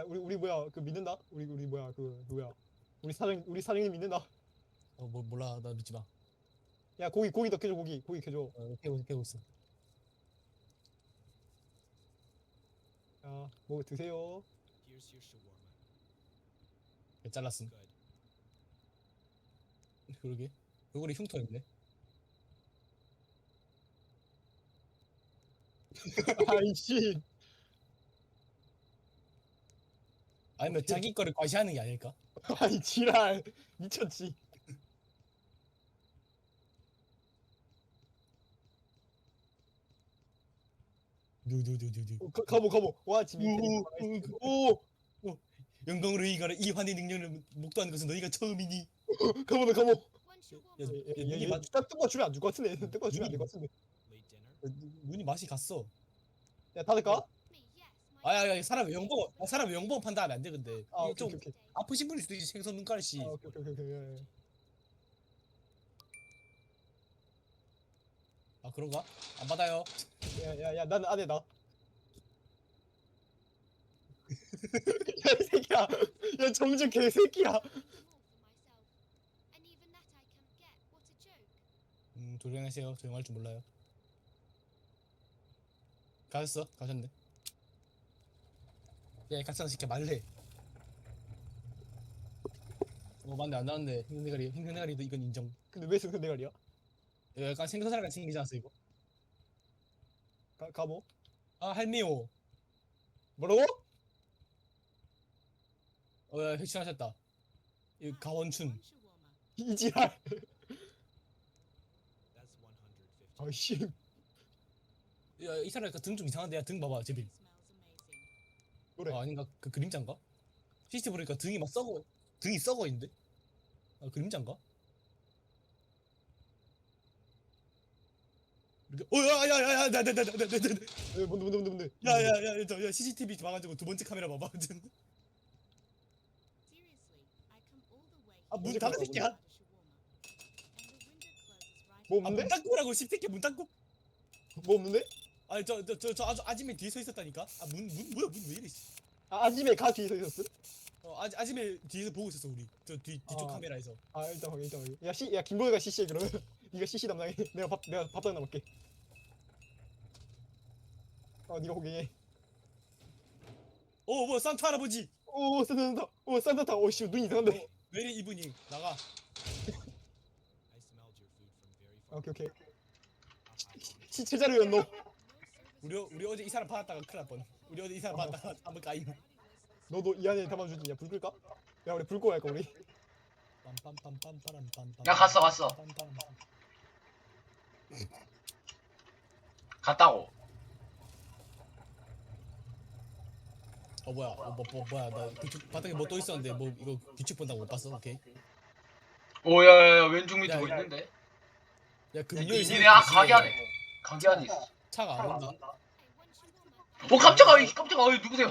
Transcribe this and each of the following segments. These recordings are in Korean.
우리 뭐야 그 믿는다? 우리 뭐야 그 누구야? 우리 사장님 믿는다. 뭐 몰라 나 믿지 마. 야 고기 더 캐줘 고기 캐줘. 깨고 있어. 야 뭐 드세요. Here's your shawarma. 잘랐음. Good. 그러게. 얼굴에 흉터 있네. 아이씨. 아니면 자기 거를 과시하는 게 아닐까? 아이 지랄 미쳤지. 누. 가보 와 지금 오 영광으로 이가라 이 환희 능력을 목도하는 것은 너희가 처음이니. 가보 When's your woman? 눈이 딱 뜯어 주면 안 줄 것 같은데 뜯어 주면 안 될 것 같은데. Late dinner? 눈이 맛이 갔어. 야 닫을까? Me, yes. My 아야 사람 영봉 판단하면 안 돼 근데. 아 이게 오케이 좀 오케이 아프신 분일 수도 있지 생선 눈깔씨. 아 오케이 야. 아 그런가? 안 받아요. 야야야 나는 안해 나. 야이 새끼야. 야 정준 개새끼야. more for myself. And even that I can't get. What a joke. 조용하세요. 조용할 줄 몰라요. 가셨네. 야 각성시켜 말래. 맞네 안 나왔네. 흰색대가리도 이건 인정. 근데 왜 승선 대가리야? 이거 약간 생선살같이 생기지 않았어 이거? 가보. 아 할미오. 뭐라고? 야 획신하셨다. 이 가원춘. One shawarma. 이지랄. That's 150. 아이씨. 야이 사람 등 좀 이상한데 야 등 봐봐 제빌. Smells amazing. 그래. 아 아닌가 그 그림자인가? CCTV 보니까 등이 막 등이 썩어 있는데? 아 그림자인가? 이렇게 야야야야 나나나나나나 뭔데. 야야야 저 CCTV 봐가지고 두 번째 카메라 봐봐. Seriously, I come all the way 아, 문 here 닫아, to 새끼야. have a shawarma. And the window closes right 뭐 아, 없는데? 문 닫고라고 씹새끼 문 닫고. 뭐 없는데? 아니 저 아줌마 뒤에 서 있었다니까. 아 문 뭐야 문 왜 이래? 씨. 아 아침에 가 뒤에 서 있었어? 아줌마 뒤에서 보고 있었어 우리 저 뒤쪽 아. 카메라에서. 아 일단 확인. 야 김보혜가 CC해 그러면. 네가 CC 담당해. 내가 밥 담당할게. 네가 호갱해. 뭐 산타 할아버지. 오 산타타. 오씨 눈 이상한데. 왜 이래 이분이 나가. I smelled your food from very far. 오케이. I 시체자료였노. no service. 우리 어제 이 사람 받았다가 큰일 날 뻔. 우리 어제 이 사람 받았다가 한번 까임. 너도 이 안에 담아주지. 야불 끌까? 야 우리 불 꺼야 할까 우리? 야, 갔어. 갔다고. 뭐야? 뭐야? 나 바닥에 뭐 또 있었는데 뭐 이거 규칙 본다고 못 봤어? 오케이. 오야야야 왼쪽 밑에 야, 뭐 야. 있는데? 야 금요일 니네 가게 안에 있어. 차가 안 온다. Hey, one shawarma. 깜짝아 어이 누구세요?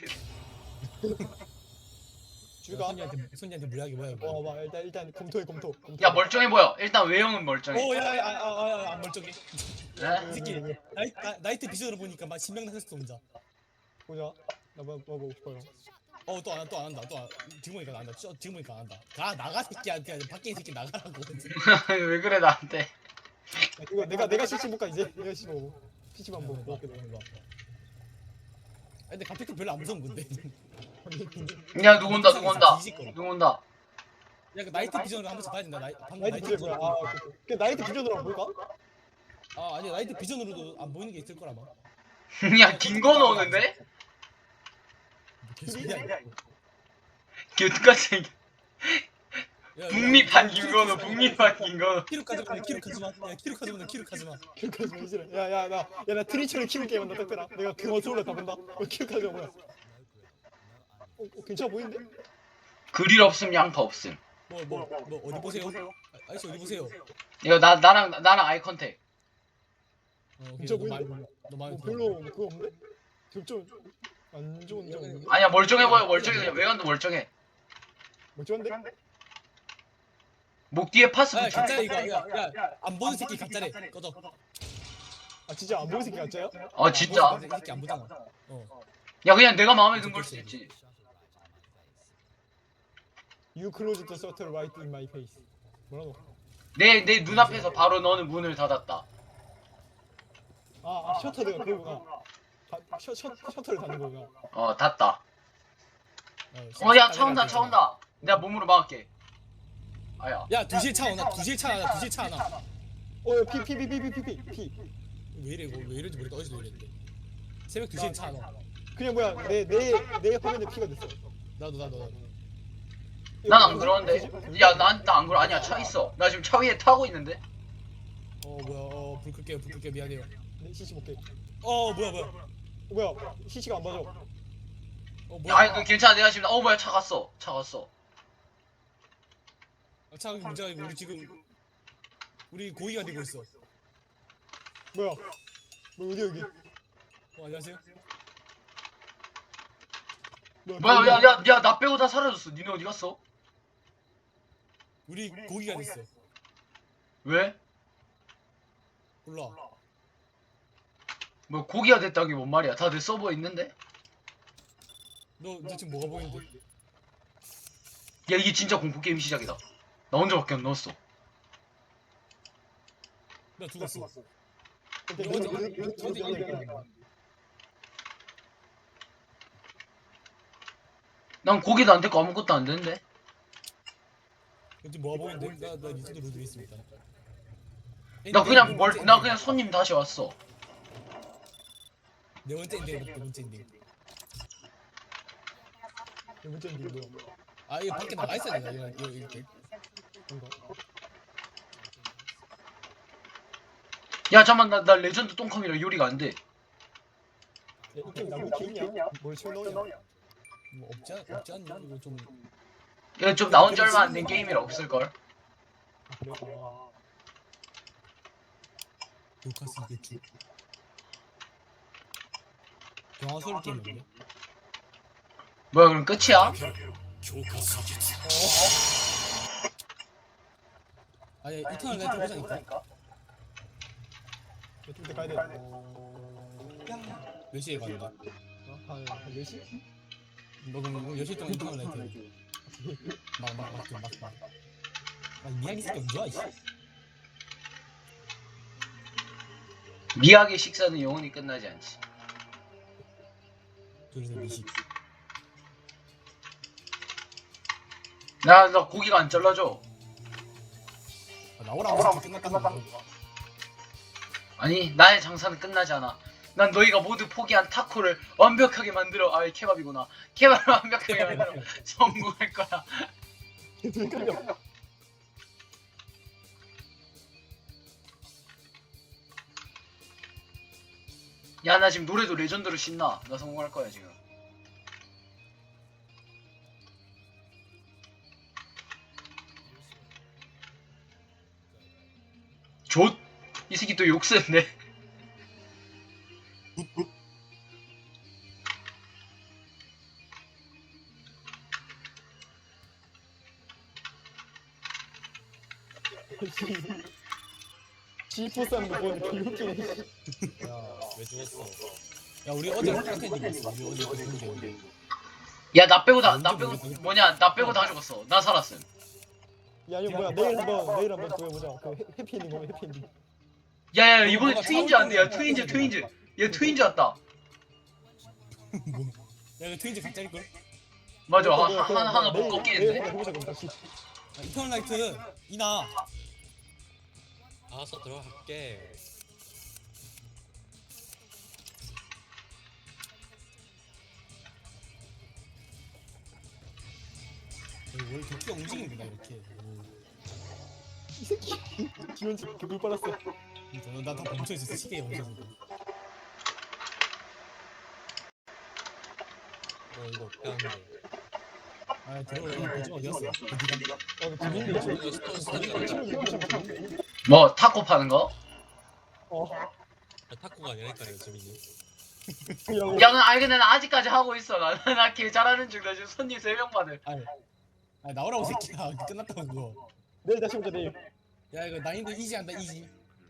줄까? 손님한테 무리하게 뭐야 이거. 봐 일단 검토해. 야 멀쩡해 보여. 일단 외형은 멀쩡해. 오야안 멀쩡해. 이 네? 새끼 나이트 비전으로 보니까 막 신명 나셨어 혼자. 보자. 나 뭐 보고 싶어요. Just shut the 또 안 한다. 지금 보니까 안 한다. 지금 보니까 안 한다. 나가 새끼야. 그냥 밖에 이 새끼 나가라고. 왜 그래 나한테? 야, 이거 내가 CC 볼까 이제? 내가 CC 보고. CC만 보고. 봐. 근데 갑자기 별로 안 무서운 건데. 야 누구 온다. 뒤집거려. 누구 온다. 야, 그 나이트 비전으로 한 번씩 봐야 된다. 방금 나이트 비전 뭐야? 오케이. 그 나이트 비전으로 한번 볼까? 아니 나이트 비전으로도 안 보이는 게 있을 거라 막. 야 김건우 오는데? 개소리야. 이거. 개같이 야, 북미판 김건우. 키로 가져가. 야, 키로 가져가. 기억하지 마 이제. 야나 트리처를 키울 게임한다 딱대라. 내가 그 컨트롤러 다 본다. 기억하지 마 뭐야? no grill, no onion. 괜찮아 보이는데? 그릴 없음 양파 없음. 뭐 어디 보세요? 아저씨 어디 보세요? 이거 나랑 아이 컨택. 오케이. 진짜 너 보이네. 말고. 별로 그거 없는데? 좀안 좋은 점 없는데? 아니야 멀쩡해 보여. 그냥 외관도 멀쩡해. 뭐 좋은데? 목 뒤에 파스 야, 붙여. 가짜 이거. 안 보는 새끼 가짜래. 꺼져. 아 진짜 안 보이는 새끼 가짜야? 진짜? 이 새끼 안 보잖아. 야 그냥 내가 마음에 든 걸 수 있지. Shut it You closed the shutter right in my face. 뭐라고? 내 눈앞에서 바로 너는 문을 닫았다. 셔터 내가 그거구나. 셔터를 닫는 거구나. 닫다. 야, 차 온다, 차 온다. 내가 몸으로 막을게. 아야. 야 2시에 차 오나? 2시에 차 하나? 2시에 차 하나? 야, 피. 왜 이래 이거 왜 이런지 모르겠다. 어디서 이랬는데 새벽 2시에 차 하나? 그냥 뭐야, 내 화면에 피가 됐어. 나도 난 안 그러는데. 야, 난 안 그러. 아니야, 차 있어. 나 지금 차 위에 타고 있는데. 뭐야 불 끌게요 미안해요. 내 CC 볼게. 뭐야 뭐야, CC가 안 맞아. 뭐야 아니, 괜찮아. 내가 지금 뭐야, 차 갔어. 차 문제가 아니고 우리 고의가 되고 있어. 뭐야, 어디 여기? 안녕하세요. 뭐야, 야, 나 빼고 다 사라졌어. 니네 어디 갔어? 우리 고의가 됐어. 왜? 몰라. 뭐 고기가 됐다는 게 뭔 말이야? 다 내 서버에 있는데? 너 지금 뭐가 보이는데? 야, 이게 진짜 공포 게임 시작이다. 나 혼자밖에 안 넣었어. 나 죽었어. 난 고기도 안 됐고 아무것도 안 되는데? 지금 뭐가 보이는데? 나 리스트 로드 있습니다. 나 그냥 손님 다시 왔어. 네 번째 인데 네 번째 인데. 문제는 뭐야? 이거 밖에 나가 있어야 되나 이거 이렇게. 야, 잠깐만, 나 레전드 똥컴이라 요리가 안 돼. 야, 이 게임 나무 있냐? 뭘 치워 넣냐? 뭐 없지 않냐? 이거 좀 야, 좀 나온 지 얼마 안 된 게임이라 없을걸? 그래? 루카스 이게 주. 영화 소리 게임인데. 뭐야, 그럼 끝이야? 아니 이터널 라이트 보자니까. 좀 가야 돼. 몇 시에 가는데? 한 4시? 너 그럼 10시 동안 이터널 라이트 막 미야기 새끼 언제 와 이씨. 미학의 식사는 영원히 끝나지 않지. 그래서 미식. 나 고기가 안 잘라져. 나오라고 끝났다는 거. 아니, 나의 장사는 끝나지 않아. 난 너희가 모두 포기한 타코를 완벽하게 만들어. 케밥이구나. 케밥을 완벽하게 만들어 성공할 거야. 야, 나 지금 노래도 레전드로 신나. 나 성공할 거야 지금. 좆! 이 새끼 또 욕쓰는데. G4 사는 거 보니까 개웃기네. 왜 죽었어? 야 우리 어제 같은 얘기 했어. 우리 어제 그 공개. 야, 나 빼고 나 언제 빼고 모르겠어. 뭐냐? 나 빼고 다 죽었어. 나 살았음. 야, 이거 뭐야? 내일 한번 그거 해보자. 그 해피엔딩 보면 해피엔딩. 야야, 이번에 뭐가 트윈즈 안 돼. 야, 차올 거야. 트윈즈. 얘 트윈즈 왔다. 뭐? 야 이거 트윈즈 가짜일 걸? 맞아. 하나 못 꺾이는데. 내일 해보자 그럼 다시. 이터널 라이트 이나. 알아서 들어갈게. 원래 도끼가 움직이는구나 이렇게. 이 새끼 지원지 개불 빨았어. 나다 멈춰 있었어. 시계에 멈춰 있었어. 이거 빼앗네. 들어오라. 그쪽 어디였어? 그 재밌는데 이거. 이거 스토리가 뭐 타코 파는 거? 타코가 아니라니까요, 재민이. 야, 근데 나 아직까지 하고 있어. 나걔 잘하는 중. 나 지금 손님 3명 받을. 나오라고 새끼야. 끝났다고 그거. 내일 다시 보자 내일. 야 이거 난이도 이지 한다 이지.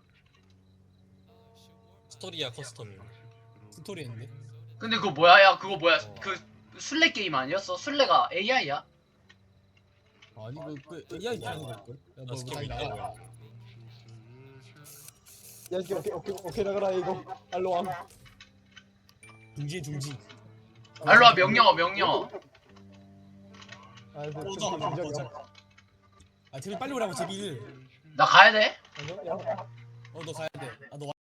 스토리야, 커스텀. 스토리 했는데. 근데 그거 뭐야? 야, 그거 뭐야? 그 술래 게임 아니었어? 술래가 AI야? 아니 그 AI 하는 걸걸? 너 스킵이 나가 뭐야? 야 이게 오케이 나가라 이거. 알로 와. 중지. 알로와 명령. 아 근데 오자. 아 제비 빨리 오라고 제비를. 나 가야 돼? 야. 너 가야 돼. 너